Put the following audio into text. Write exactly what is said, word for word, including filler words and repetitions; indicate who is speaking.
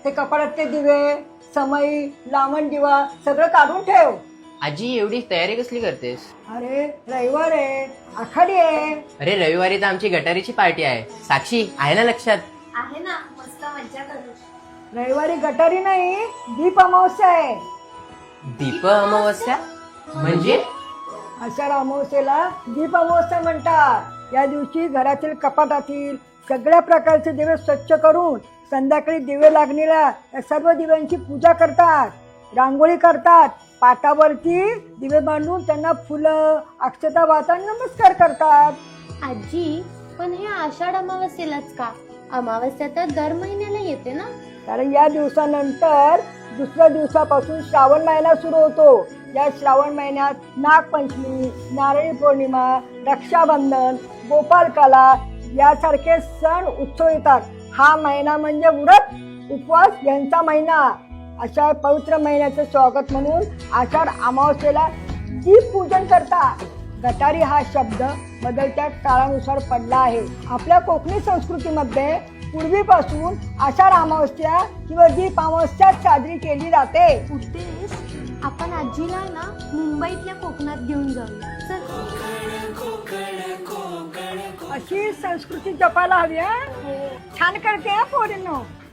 Speaker 1: ते कपाळातले दिवे, समई, लावण दिवा सगळं काढून ठेव.
Speaker 2: आजी एवढी तयारी कसली करतेस?
Speaker 1: अरे रविवार आहे, आखाडी आहे.
Speaker 2: अरे रविवारी तर आमची गटारीची पार्टी आहे. साक्षी आहे ना लक्षात?
Speaker 3: आहे ना, मस्त मज्जा करू.
Speaker 1: रविवारी गटारी नाही, दीप अमावस्या आहे.
Speaker 2: दीप अमावस्या म्हणजे?
Speaker 1: आषाढ अमावस्येला दीप अमावस्या म्हणतात. या दिवशी घरातील कपाटातील सगळ्या प्रकारचे दिवे स्वच्छ करून संध्याकाळी दिवे लागणीला या सर्व दिव्यांची पूजा करतात, रांगोळी करतात, पाटावरती दिवे बांधून त्यांना फुलं अक्षता वाहतात, नमस्कार करतात.
Speaker 3: आजी, पण हे आषाढ अमावस्येलाच का? अमावस्या तर दर महिन्याला येते ना.
Speaker 1: कारण या दिवसानंतर दुसऱ्या दिवसापासून श्रावण महिना सुरू होतो. या श्रावण महिन्यात नागपंचमी, नारळी पौर्णिमा, रक्षाबंधन, गोपालकाला यासारखे सण उत्सव येतात. हा महिना म्हणजे व्रत उपवास यांचा महिना. अशा पवित्र महिन्याचे स्वागत म्हणून आषाढ अमावस्येला दीप पूजन करतात. गटारी हा शब्द बदलत्या काळानुसार पडला आहे. आपल्या कोकणी संस्कृतीमध्ये पूर्वीपासून आषाढ अमावस्या किंवा दीप अमावस्या साजरी केली जाते.
Speaker 3: उद्देश, आपण आजीला ना मुंबईतल्या कोकणात घेऊन जाऊया. चल.
Speaker 1: अशी संस्कृती जपायला हवी. हा छान करते हा पोरींनो.